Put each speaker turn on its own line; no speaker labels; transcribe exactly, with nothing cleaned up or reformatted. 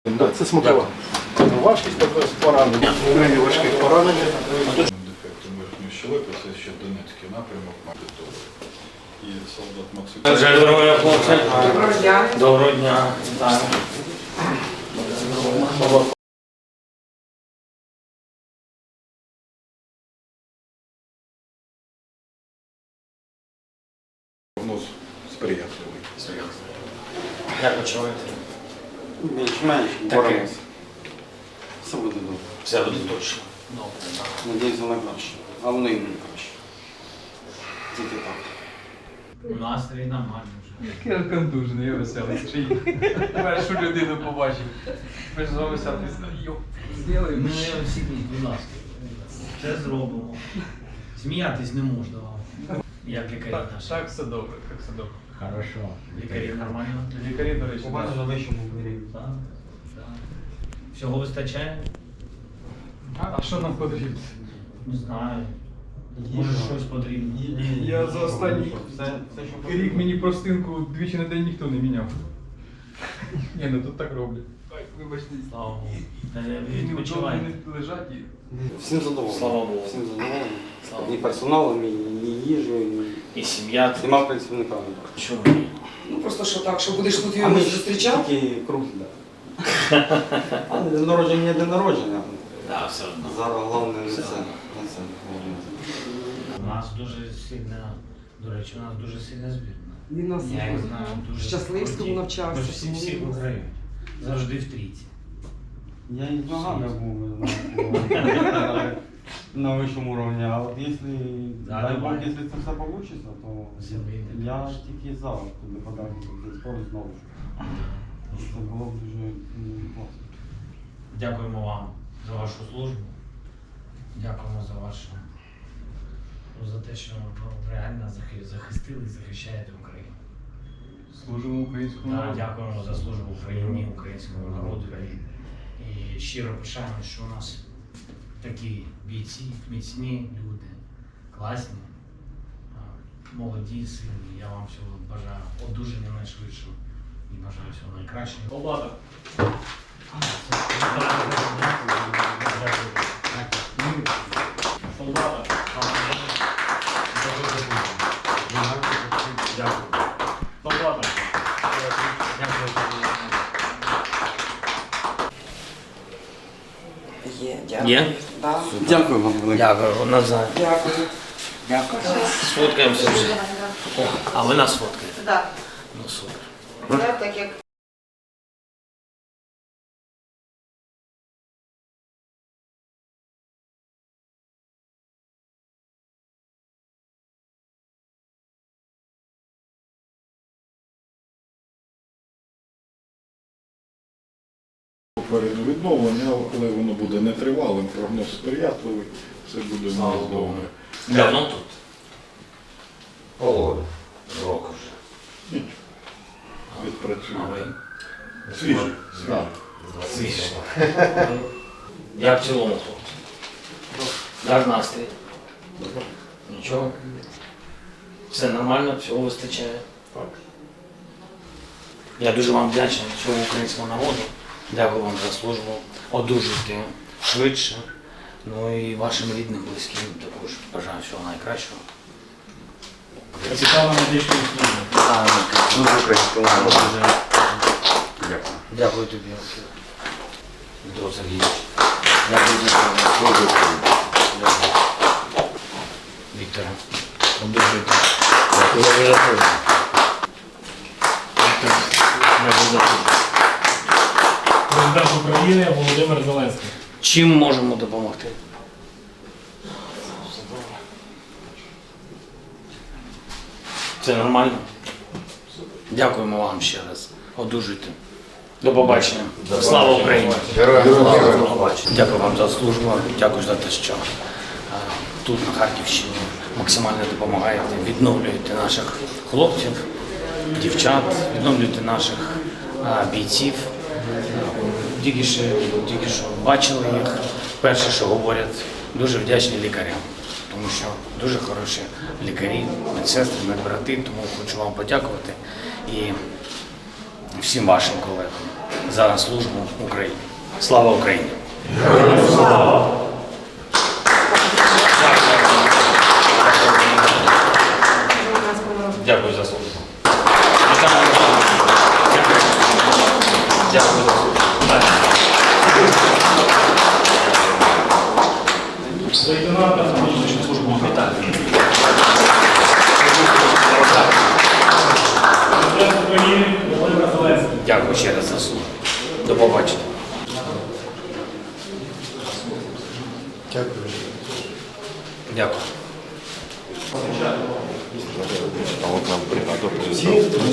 Це смакова. Важкість також поранення. Крайні важких поранення.
Дефектом верхньої щелепи, це ще Донецький напрямок Магдитовий. І солдат Максим.
Здоров'я, хлопці. Доброго дня. Доброго дня. Так.
Прогноз сприятливий.
Як почуваєте?
Більш-менш боремося. Все буде добре.
Все буде точно. Добре.
Надіюся на краще. А воно і не краще. Тільки так.
Настрій нормальний вже.
Я контужений, я веселий. Чи першу людину побачив. Ми ж з вами сяти йоп, зробимо.
Ми всі, будь ласка, це зробимо. Сміятись не можна вам. Як лікарі
Так,
наші.
так все добре, так все добре.
Хорошо. Лікарі нормально?
Лікарі, до речі,
У мене
так.
на вищому рівні.
Так. Так. Всього вистачає?
А, а що нам потрібно?
Не знаю. Може щось потрібно.
Я за останній
Все, все, що
рік мені простинку двічі на день ніхто не міняв. Ні, ну тут так роблять. Ой, вибачте.
Слава Богу. Та ви
Вони
відпочиваєте.
не лежать і...
Всім задоволений.
Слава Богу.
Всім задоволений.
Слава
І
Богу.
персоналом, і, і їжею, і
І сім'я.
всіма працівниками.
Чому?
Ну просто що так, що будеш тут
А
його
ми
зустрічав?
тільки круг, так. А день народження є день народження.
Так, все одно.
Зараз головне не
Все
це.
одно.
Не це.
У нас дуже сильна, до речі, у нас дуже сильна збірна.
Він нас
Я їх знаю дуже.
в Щасливському
круті.
навчався,
Ми ж всі
тому
всі
він-
виграють. Завжди в трійці.
Я і з ногами був, ви знаєте, на вищому рівні. А от якщо,
Да,
дай Бог,
давай.
якщо це все вийде, то
Все вийде,
я
конечно.
тільки за туди подати цей спорт знову. Це було б дуже м, класно.
Дякуємо вам за вашу службу. Дякуємо за вашу ну, за те, що ви реально захи- захистили і захищаєте Україну.
Служимо українському
Так,
народу.
дякуємо за службу Україні, українському народу. І, і щиро пишаємо, що у нас такі бійці, міцні люди, класні, а, молоді, сильні. Я вам всього бажаю одужання найшвидшого і бажаю всього найкращого. Облада. Солдата. Дякую. Солдата.
Є, дякую.
Є?
Да.
Дякую вам велике.
Дякую, Назар.
Дякую.
Дякую. Сфоткаємося вже. О, а ви нас фоткаєте?
Так,
Ну супер.
це так як
Попереду відновлення, але воно буде нетривалим, прогноз сприятливий, все буде у нас добре.
Давно тут?
Полгода.
Року вже. А
Відпрацюємо.
ви?
Свіжий, свіжий.
Свіже. Як в цілому, хлопці? Як настрій? Нічого? Все нормально, всього вистачає?
Так.
Я дуже вам вдячний цьому українському народу. Дякую вам за службу. Одужуйте швидше. Ну і вашим рідним, близьким також бажаю всього найкращого. Цікаво медичну службу.
Дуже українському народу. Дякую.
Дякую тобі, Дмитро Сергійович. Дякую за службу. Дякую. Вікторе, одужуйте. Дякую за службу. Віктор, дякую за службу.
Президент України Володимир Зеленський.
Чим можемо допомогти? Це нормально? Дякуємо вам ще раз. Одужуйте. До побачення. Слава Україні! До побачення. Дякую вам за службу. Дякую за те, що е, тут, на Харківщині, максимально допомагаєте, відновлюєте наших хлопців, дівчат, відновлюєте наших е, бійців. Тільки що, тільки що бачили їх. Перше, що говорять, дуже вдячні лікарям, тому що дуже хороші лікарі, медсестри, медбрати, тому хочу вам подякувати і всім вашим колегам. за службу Україні. Слава Україні! Дякую за службу. Дякую за службу.
Лейтенанта Медичну службу вітаю. Президент України Володимир Зеленський.
Дякую ще раз за службу. До побачення.
Дякую.
Дякую.
А от нам бригада